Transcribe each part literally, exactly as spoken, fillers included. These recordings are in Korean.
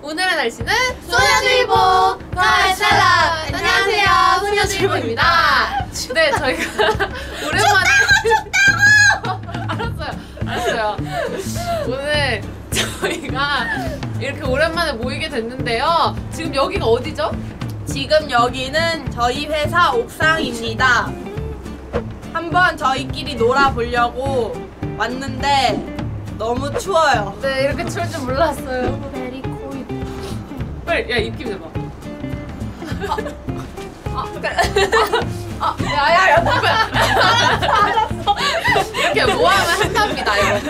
오늘의 날씨는 소녀주의보 달살라. 안녕하세요, 소녀주의보입니다. 네, 저희가 오랜만에 춥다고! 춥다고! 알았어요, 알았어요. 오늘 저희가 이렇게 오랜만에 모이게 됐는데요. 지금 여기가 어디죠? 지금 여기는 저희 회사 옥상입니다. 한번 저희끼리 놀아보려고 왔는데 너무 추워요. 네, 이렇게 추울 줄 몰랐어요. 베리 코이. 빨리, 야, 입김 내봐. 아, 그래. 아, 야, 야, 야, 알았어, 알았어. 이렇게 모아면 한답니다,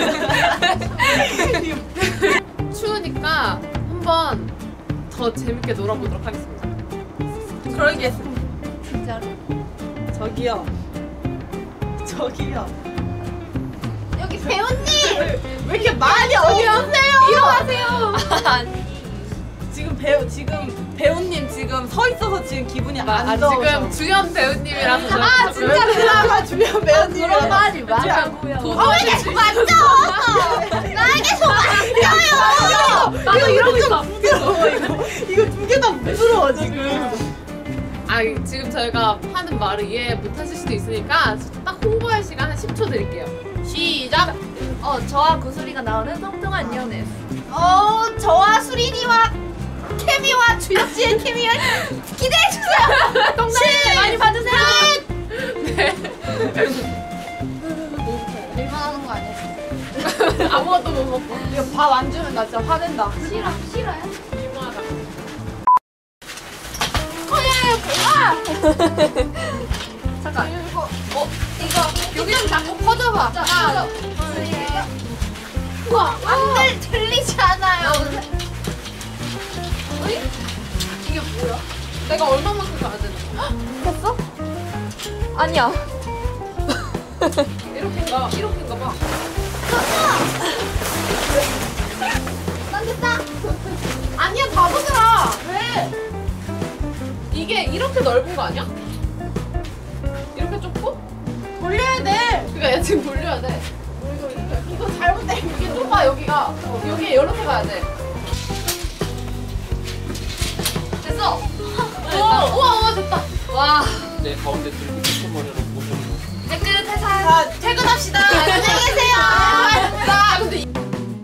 이거. 추우니까 한번 더 재밌게 놀아보도록 하겠습니다. 그러겠습니다. 진짜로? 저기요. 저기요. 여기 배우님! 왜, 왜 이렇게 많이 어디 오세요? 일어나세요. 아니. 지금 배우 지금 배우님 지금 서 있어서 지금 기분이 안 아, 좋으셔. 지금 주연 배우님이라서 저희 아 진짜 드라마 주연 배우님. 그런 말이 맞아고요. 도와주시. 나에게 맞죠! 나에게 맞죠요! 나도 이러고 있어. 부드러워 이거. 이거 두 개 다 부드러워 지금. 아, 지금 저희가 하는 말을 이해 못하실 수도 있으니까 딱 홍보할 시간 한 십 초 드릴게요. 시작! 어, 저와 구슬이가 나오는 통통한 연애. 어, 저와 수린이와 케미와 주혁씨의 케미와 기대해주세요! 동네 많이 받으세요! 네. 일만 하는 거 아니야? 아무것도 못 먹고. 이거 밥 안 주면 나 진짜 화낸다. 싫어, 싫어요? 이모하다. 잠깐. 이거, 어, 이거, 여기 좀 자꾸 퍼져봐. 하나, 둘, 셋. 우와, 안 들, 들리지 않아요. 어이? 이게 뭐야? 내가 얼마만큼 가야 되는 거야? 됐어? 아니야. 이렇게인가? 이렇게인가 봐. 난 됐다. 아니야, 바보들아! 왜? 이게 이렇게 넓은 거 아니야? 이렇게 좁고? 돌려야 돼. 그니까 야, 지금 돌려야 돼. 이거, 이거, 이거 잘못돼. 이게 좁아, 여기가. 어, 여기 이렇게 가야 돼. 됐어. 우와, 우와, 우와, 됐다. 와. 네, 가운데 들고 콧머리로 보시는 이제 끝 회사. 자 퇴근합시다. 안녕히 계세요. 아, 근데 이-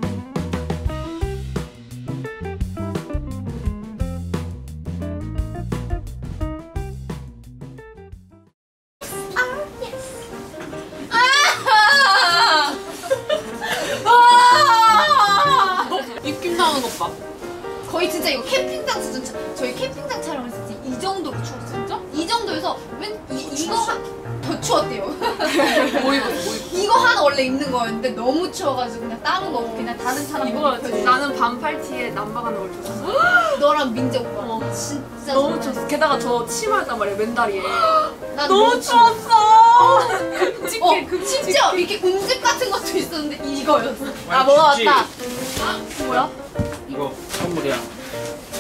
입김 나오는 것 봐. 거의 진짜 이거 캠핑장 수준. 차- 저희 캠핑장 촬영했을 때 이 정도로 추웠어. 진짜? 이 정도에서 맨 이, 이거 한, 더 추웠대요. 뭐 입었어, 뭐 입었어? 이거 하나 원래 입는 거였는데 너무 추워가지고 그냥 다른 거 없고 그냥 다른 사람 이거 입혀줘. 나는 반팔 티에 남바가는 걸 줬어. 너랑 민재 오빠 어. 진짜 너무 좋아해. 추웠어. 게다가 저 치마였단 말이야, 맨다리에. 난 너무 추워. 추웠어. 어, 심지어 이렇게 음식 같은 것도 있었는데 이거였어. 아 뭐가 왔다. 뭐야? 이거 선물이야.